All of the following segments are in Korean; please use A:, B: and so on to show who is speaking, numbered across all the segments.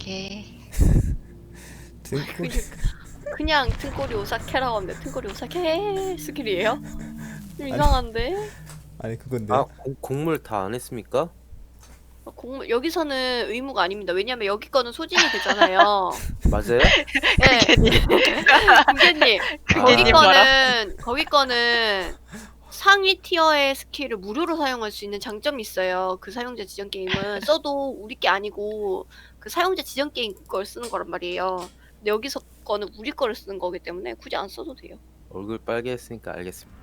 A: 오사케.
B: 등골.
C: 그냥 등골이 오사케라고 하면 등골이 오사케 스킬이에요? 좀 이상한데?
B: 아니 그건데.
D: 아, 곡물 다 안 했습니까?
C: 여기서는 의무가 아닙니다. 왜냐면 여기 거는 소진이 되잖아요.
D: 맞아요?
C: 네. 군대님,
A: 군대님 봐라.
C: 거기 거는 상위 티어의 스킬을 무료로 사용할 수 있는 장점이 있어요. 그 사용자 지정 게임은 써도 우리 게 아니고 그 사용자 지정 게임 걸 쓰는 거란 말이에요. 근데 여기서 거는 우리 거를 쓰는 거기 때문에 굳이 안 써도 돼요.
D: 얼굴 빨개 했으니까 알겠습니다.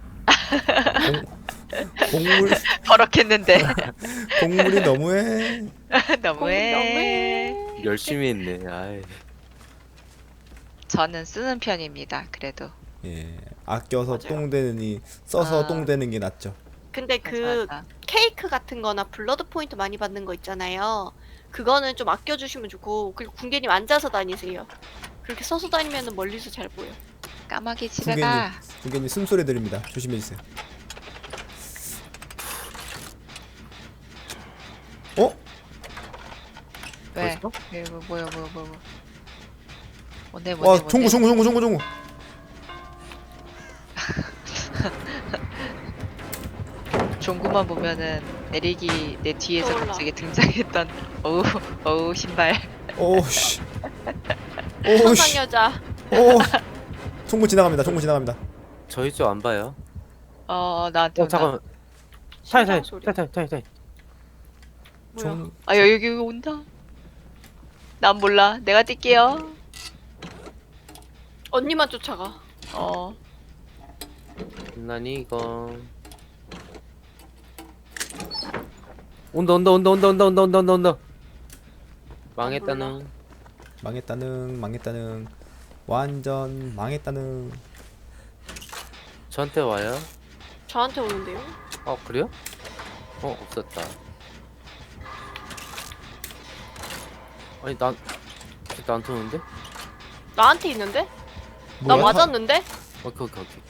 B: 곡물
A: 버럭했는데.
B: 곡물이 너무해.
A: 너무해.
D: 열심히 했네. 아이.
A: 저는 쓰는 편입니다. 그래도.
B: 예. 아껴서
C: 맞아요.
B: 똥 되느니 써서
A: 아.
B: 똥 되는 게 낫죠.
C: 근데 그
A: 맞아.
C: 케이크 같은 거나 블러드 포인트 많이 받는 거 있잖아요. 그거는 좀 아껴주시면 좋고, 그리고 군계님 앉아서 다니세요. 그렇게 서서 다니면 멀리서 잘 보여.
A: 까마귀 집에
B: 군계님,
A: 가.
B: 군계님 숨소리 들립니다. 조심해 주세요. 어?
A: 왜?
D: 벌써?
A: 왜 뭐야. 뭔데.
B: 와, 종구.
A: 종구만 보면은 내리기 내 뒤에서
C: 떠올라.
A: 갑자기 등장했던 어우 신발.
B: 오씨.
C: 천상
B: 오씨.
C: 여자.
B: 오. 종구 지나갑니다.
D: 저희 쪽 안 봐요.
A: 나한테 온다.
D: 잠깐만.
C: 심장 소리.
D: 타이.
C: 뭐야?
B: 종
A: 아 여기 온다. 난 몰라. 내가 뛸게요.
C: 언니만 쫓아가.
D: 난 이거. 온다. 망했다는.
B: 망했다는. 완전 망했다는.
D: 저한테 와요?
C: 저한테 오는데요?
D: 그래요? 없었다. 아니 나한테 오는데?
C: 나한테 있는데? 나
B: 뭐야?
C: 맞았는데?
D: 오케이.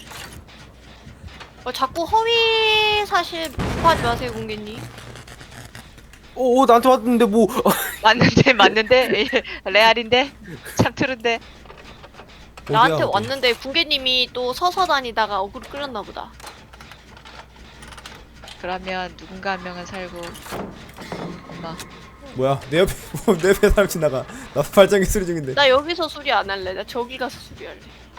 C: 자꾸 허위 사실 유포하지 마세요, 공개님.
D: 오, 나한테 왔는데 뭐?
A: 맞는데 레알인데 참 트른데.
C: 나한테
B: 어디야, 어디?
C: 왔는데 궁계님이 또 서서 다니다가 어그로 끌었나 보다.
A: 그러면 누군가 한 명은 살고. 엄마.
B: 뭐야? 내 옆에 사람 지나가. 나 발전기 수리 중인데.
C: 나 여기서 수리 안 할래. 나 저기 가서 수리할래.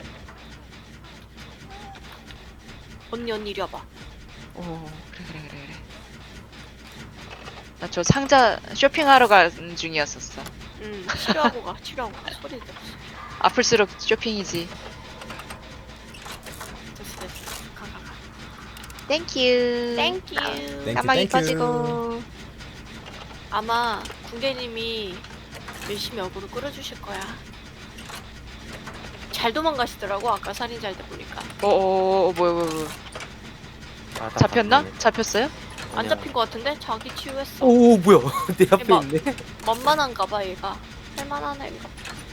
C: 언니 이리 와봐.
A: 오 그래. 나 저 상자 쇼핑하러 가는 중이었었어.
C: 치료하고 가. 소리 들었어.
A: 아플수록 쇼핑이지.
C: 됐어. 가.
A: 땡큐.
C: 땡큐.
A: 까마귀
B: 땡큐.
A: 빠지고.
C: 아마 궁계님이 열심히 어그로 끌어주실 거야. 잘 도망가시더라고. 아까 살인자일 때 보니까.
A: 뭐야.
D: 아, 나
A: 잡혔나?
D: 봤네.
A: 잡혔어요?
C: 안
D: 아니야.
C: 잡힌 거 같은데? 자기 치유했어.
D: 오, 뭐야? 내 앞에
C: 대박.
D: 있네.
C: 만만한가 봐 얘가. 할만한 애인가 봐.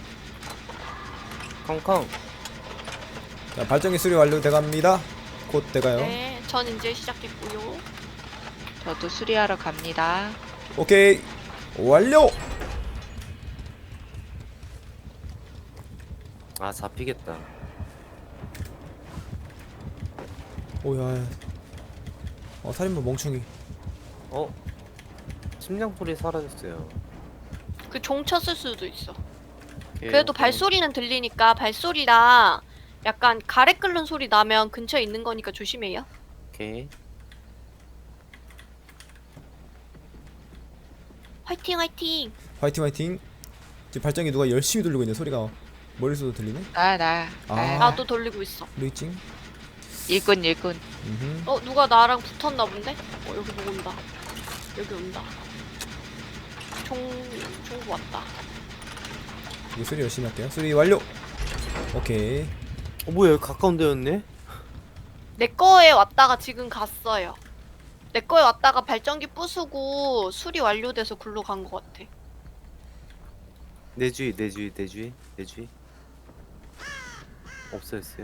D: 康康.
B: 자, 발전기 수리 완료돼갑니다. 곧 돼가요.
C: 네, 전 이제 시작했고요.
A: 저도 수리하러 갑니다.
B: 오케이. 완료.
D: 아, 잡히겠다.
B: 오야. 살인마 멍충이.
D: 심장소리 사라졌어요.
C: 그 종 쳤을 수도 있어.
D: 오케이,
C: 그래도
D: 오케이.
C: 발소리는 들리니까 발소리랑 약간 가래 끓는 소리 나면 근처에 있는 거니까 조심해요.
D: 오케이.
C: 화이팅.
B: 화이팅. 지금 발전기 누가 열심히 돌리고 있네. 소리가 머릿속으로 들리네.
A: 나.
B: 아.
C: 나도 돌리고 있어.
B: 루이찡.
A: 일꾼.
B: 음흠.
C: 누가 나랑 붙었나 본데? 여기 보고 온다. 여기 온다. 총구 왔다.
B: 이거 수리 열심히 할게요. 수리 완료. 오케이.
D: 뭐야? 여기 가까운 데였네?
C: 내 거에 왔다가 지금 갔어요. 내 거에 왔다가 발전기 부수고 수리 완료돼서 굴러 간 것 같아.
D: 내 주위. 없어졌어요?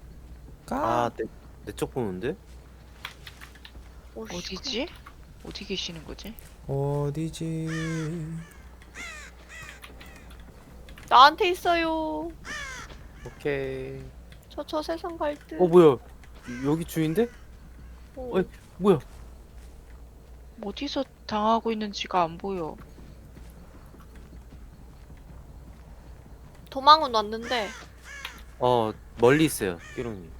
D: 내 쪽 보는데?
C: 오씨,
A: 어디지? 어디 계시는 거지?
B: 어디지?
C: 나한테 있어요.
D: 오케이.
C: 저 세상 갈 듯.
D: 뭐야? 여기 주인데? 어이. 뭐야?
A: 어디서 당하고 있는지가 안 보여.
C: 도망은 왔는데
D: 멀리 있어요, 끼롱님.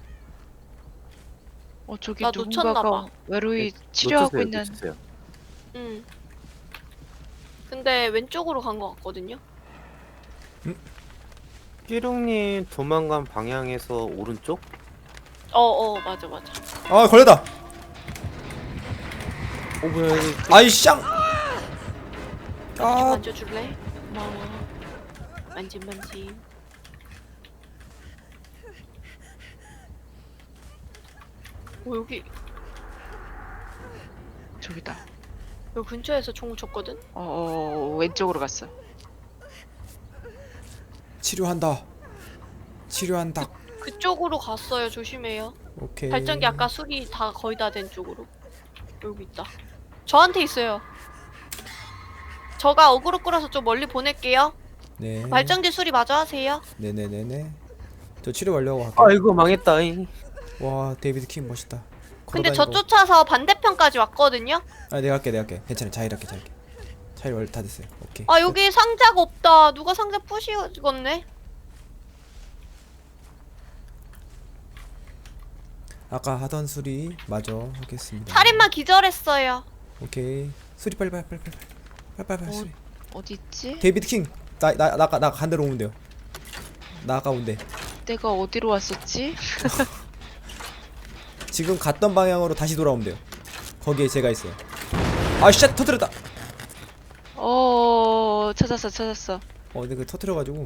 A: 저기
C: 나
A: 누군가가
C: 놓쳤나봐.
A: 외로이 치료하고 있는.
D: 놓쳤어요.
C: 응. 근데 왼쪽으로 간 것 같거든요.
D: 끼롱님 도망간 방향에서 오른쪽?
C: 맞아 맞아.
B: 아 걸렸다.
D: 뭐야? 여기
B: 아이 쌍.
C: 좀
B: 아
C: 만져줄래? 고마워. 만짐. 여기
A: 저기다.
C: 여기 근처에서 총을 쳤거든.
A: 왼쪽으로 갔어.
B: 치료한다. 치료한다.
C: 그쪽으로 갔어요. 조심해요.
B: 오케이.
C: 발전기 아까 수리 다 거의 다 된 쪽으로. 여기 있다. 저한테 있어요. 저가 어그로 끌어서 좀 멀리 보낼게요.
B: 네.
C: 발전기 수리 마저 하세요.
B: 네네네네. 저 치료 완료하고 갈게요.
D: 아이고 망했다잉.
B: 와 데이비드 킹 멋있다.
C: 근데 저
B: 걸어다니고.
C: 쫓아서 반대편까지 왔거든요.
B: 아 내가 할게. 괜찮아. 자일할게. 자일 원래 다 됐어요. 오케이.
C: 아 여기 상자가 없다. 누가 상자 부시겠네.
B: 아까 하던 수리 마저 하겠습니다.
C: 살인마 기절했어요.
B: 오케이. 수리 빨리 수리.
A: 어디 있지?
B: 데이비드 킹. 나 간대로 오면 돼요. 나 아까 온대.
A: 내가 어디로 왔었지?
B: 지금 갔던 방향으로 다시 돌아오면 돼요. 거기에 제가 있어요. 아쉣 터뜨렸다.
A: 찾았어.
B: 근데 그 터뜨려가지고.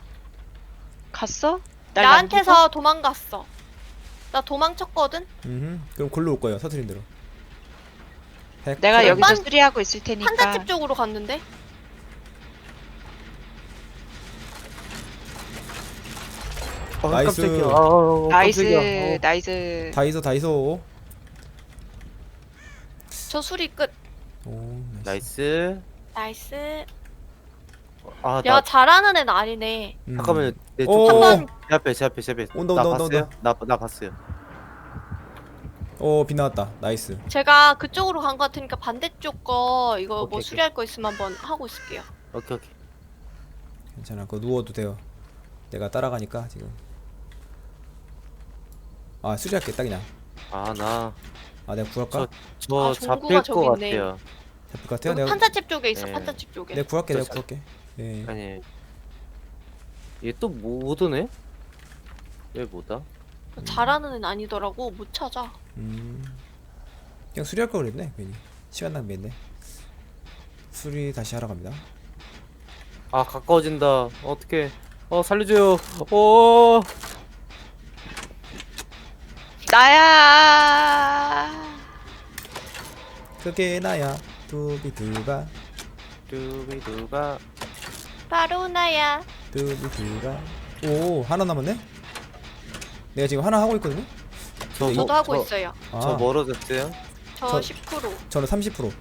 A: 갔어? 날
C: 나한테서 도망갔어. 나 도망쳤거든.
B: 그럼 골로 올 거예요. 터뜨린 대로.
A: 내가 여기서
C: 한-
A: 수리하고 있을 테니까.
C: 판잣집 쪽으로 갔는데.
B: 나이스.
D: 깜짝이야. 깜짝이야.
A: 나이스.
B: 다이소.
C: 저 수리 끝.
B: 오
D: 나이스.
C: 나이스.
D: 아,
C: 야 잘하는 애는 아니네.
D: 잠깐만요. 내
B: 오.
D: 쪽.
C: 한번
D: 제 앞에.
B: 온다.
D: 나 봤어요? 나 봤어요.
B: 비 나왔다. 나이스.
C: 제가 그쪽으로 간 거 같으니까 반대쪽 거 이거
D: 오케이,
C: 뭐
D: 오케이.
C: 수리할 거 있으면 한번 하고 있을게요.
D: 오케이.
B: 괜찮아. 그거 누워도 돼요. 내가 따라가니까 지금. 수리할게 딱 그냥. 내가 구할까?
D: 저
C: 아,
D: 잡힐
C: 종구가 저기
D: 것
C: 있네.
D: 같아요.
B: 잡힐 것 같아요?
C: 여기
B: 내가
C: 판잣집 쪽에 있어.
D: 네.
C: 판잣집 쪽에.
B: 내가 구할게.
D: 저-
B: 내가 구할게. 예.
D: 아니. 얘 또 못 오네? 왜 못 와?
C: 잘하는 애는 아니더라고. 못 찾아.
B: 그냥 수리할 걸 그랬네. 괜히 시간 낭비했네. 수리 다시 하러 갑니다.
D: 아, 가까워진다. 어떡해. 살려줘요. 오.
A: 나야.
B: 그게 나야. 두비두바.
D: 두비두바.
C: 바로 나야.
B: 두비두바. 오 하나 남았네. 내가 지금 하나 하고 있거든요.
C: 저도 하고 있어요.
D: 저 멀어졌어요?
C: 저
B: 저-
C: 10%.
B: 저는 30%.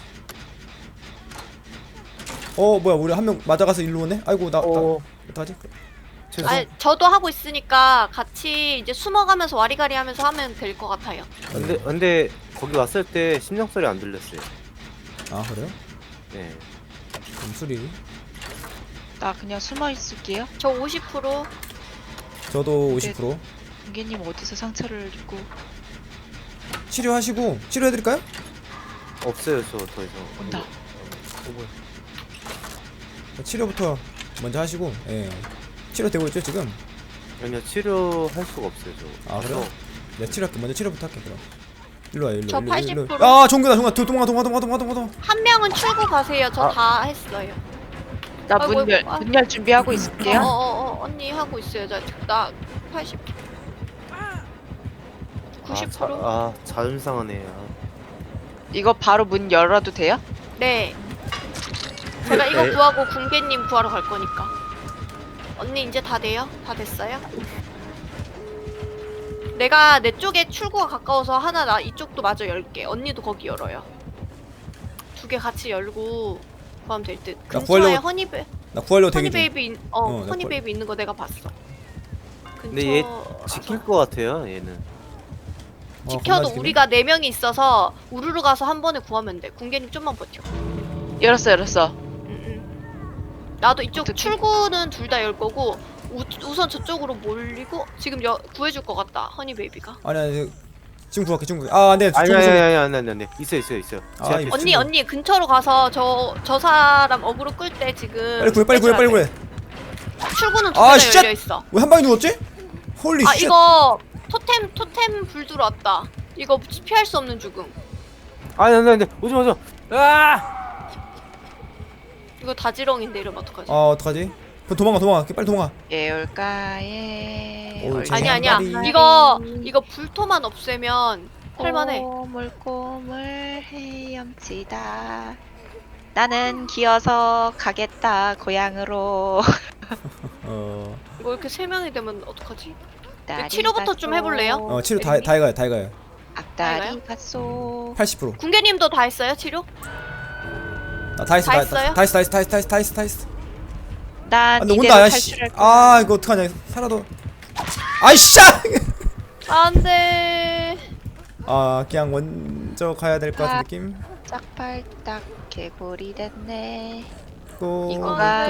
B: 뭐야 우리 한 명 맞아가서 일로 오네. 아이고 나 어떡하지?
D: 죄송.
C: 아, 저도 하고 있으니까 같이 이제 숨어가면서 와리가리 하면서 하면 될 것 같아요.
D: 근데 거기 왔을 때 심장 소리 안 들렸어요.
B: 그래요?
D: 네.
B: 그럼 수리.
A: 나 그냥 숨어 있을게요.
C: 저 50%.
B: 저도 50%.
A: 공개님 어디서 상처를 입고
B: 치료하시고 치료해드릴까요?
D: 없어요, 저 더 이상.
A: 온다.
D: 뭐야.
B: 치료부터 먼저 하시고. 예. 치료되고 있죠 지금?
D: 아니요, 치료할 수가 없어요, 저.
B: 그래요? 내가 치료할게. 먼저 치료부터 할게 그럼. 일로 와요 일로.
C: 저
B: 일로,
C: 80%.
B: 종교다. 도망가.
C: 한 명은 출구 가세요. 저
D: 아.
C: 다 했어요.
A: 나
C: 아이고,
A: 문 열
C: 아이고.
A: 문 열 준비하고 있을게요.
C: 언니 하고 있어요. 나 80. 90%?
D: 자존 상하네.
A: 이거 바로 문 열어도 돼요?
C: 네. 제가 이거
D: 네.
C: 구하고 궁계님 구하러 갈 거니까. 언니 이제 다 돼요? 다 됐어요? 내가 내 쪽에 출구가 가까워서 하나 나 이쪽도 마저 열게. 언니도 거기 열어요. 두 개 같이 열고 구하면 될 듯. 근처에
B: 구하려고-
C: 허니베.
B: 나 구하려고 대기 중.
C: 허니베이비
B: 나
C: 허니베이비 있는 거 내가 봤어.
D: 근데 얘
C: 근처
D: 지킬 것 같아요 얘는.
B: 겁나
C: 지켜도
B: 지키네.
C: 우리가 4명이 있어서 우르르 가서 한 번에 구하면 돼. 궁계님 좀만 버텨.
A: 열었어.
C: 나도 이쪽
A: 어떡해.
C: 출구는 둘 다 열 거고 우선 저쪽으로 몰리고 지금 구해줄 것 같다. 허니베이비가.
B: 아니 지금 구할게. 아 안돼.
D: 아니. 있어. 제
B: 아,
D: 앞에
B: 이거
D: 있어.
C: 언니 근처로 가서 저 사람 어그로 끌 때 지금
B: 빨리 구해.
C: 출구는 둘
B: 아,
C: 다
B: 쉣!
C: 열려 있어.
B: 왜 한 방에 누웠지? 홀리
C: 아
B: 쉣.
C: 이거 토템 불 들어왔다. 이거 피할 수 없는 죽음.
D: 아니 오지 마. 아!
C: 이거 다지렁인데 이러면 어떡하지?
B: 아 어떡하지? 그럼 도망가. 빨리 도망가.
A: 예올까에
B: 오,
C: 아니 아니야.
B: 제
C: 이거 불토만 없애면 할만해.
A: 꼬물꼬물 헤엄치다. 나는 기어서 가겠다 고향으로.
C: 이거 이렇게 3명이 되면 어떡하지?
A: 다리
C: 치료부터 좀
A: 갔소.
C: 해볼래요?
B: 치료 다 해가요.
A: 앞다리
C: 알아요?
A: 갔소.
B: 80%.
C: 궁계님도 다 했어요 치료?
B: 다 했어.
C: 다 했어요?
B: 다 했어.
A: 난
B: 근데
A: 이대로
B: 온다 야 씨.
A: 탈출할 거야.
B: 아 이거 어떡하냐. 살아도. 아이씨.
C: 안돼.
B: 아 그냥 먼저 가야 될 것 같은 느낌.
A: 짝발딱 개구리 됐네.
B: 꼬물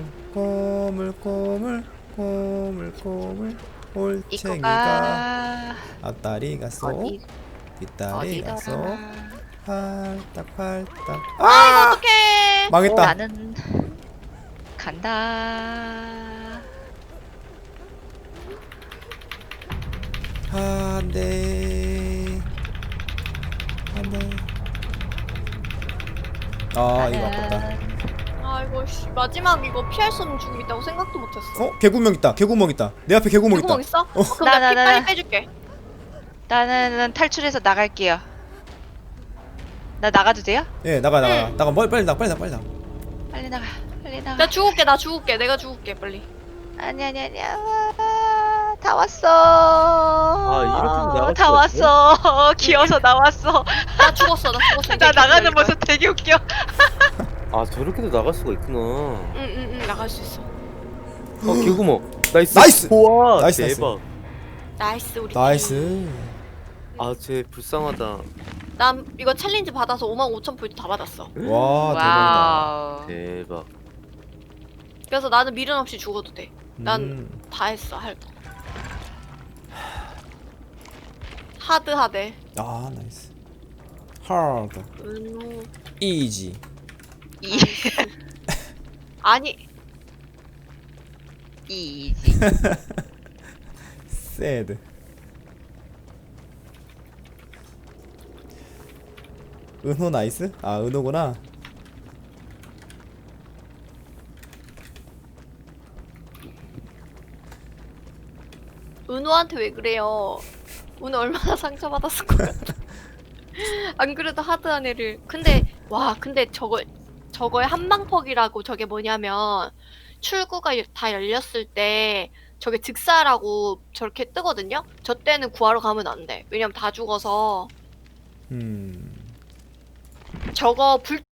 B: 올챙이가
A: 이거가
B: 앞다리 갔어.
A: 어디
B: 뒷다리 갔어.
A: 어디더라?
B: 팔딱.
C: 아 어떡해.
B: 망했다.
A: 나는 간다.
B: 안돼. 아 이거 아깝다.
C: 아이고 씨 마지막 이거 피할 수 없는 죽음 있다고 생각도 못했어.
B: 개구멍 있다. 내 앞에 개구멍 있다.
C: 개구멍 있어? 그럼
A: 나,
C: 내가 피
A: 나,
C: 빨리
A: 나.
C: 빼줄게.
A: 나는 탈출해서 나갈게요. 나 나가도 돼요?
B: 예 나가.
C: 응.
B: 나가 빨리 나가.
A: 빨리 나가. 빨리 나가.
C: 나 죽을게. 내가 죽을게 빨리.
A: 아니야. 다 왔어.
D: 이렇게 나갈
A: 다
D: 수가
A: 왔어. 기어서 나왔어.
C: 나 죽었어. 이제
A: 나 나가는
C: 기다릴 거야.
A: 모습 되게 웃겨.
D: 아 저렇게도 나갈 수가 있구나.
C: 응 나갈 수 있어.
D: 개구멍. 나이스.
B: 나이스!
D: 우와
B: 나이스,
D: 대박.
C: 나이스 우리 팀.
B: 나이스.
D: 쟤 불쌍하다.
C: 난 이거 챌린지 받아서 55,000포인트 다 받았어.
B: 와 대박이다.
A: 와우.
D: 대박.
C: 그래서 나는 미련 없이 죽어도 돼. 난
B: 음.
C: 다 했어 할 거. 하드하대.
B: 아 나이스. 하드.
C: 은우.
B: 이지.
A: 이
C: 아니
A: 이지.
B: 새드. 은호 나이스? 아 은호구나.
C: 은우한테 왜 그래요? 오늘 얼마나 상처받았을 것 같아. 안 그래도 하드한 애를. 근데 저거의 한방퍽이라고 저게 뭐냐면 출구가 다 열렸을 때 저게 즉사라고 저렇게 뜨거든요? 저 때는 구하러 가면 안 돼. 왜냐면 다 죽어서
B: 음.
C: 저거 불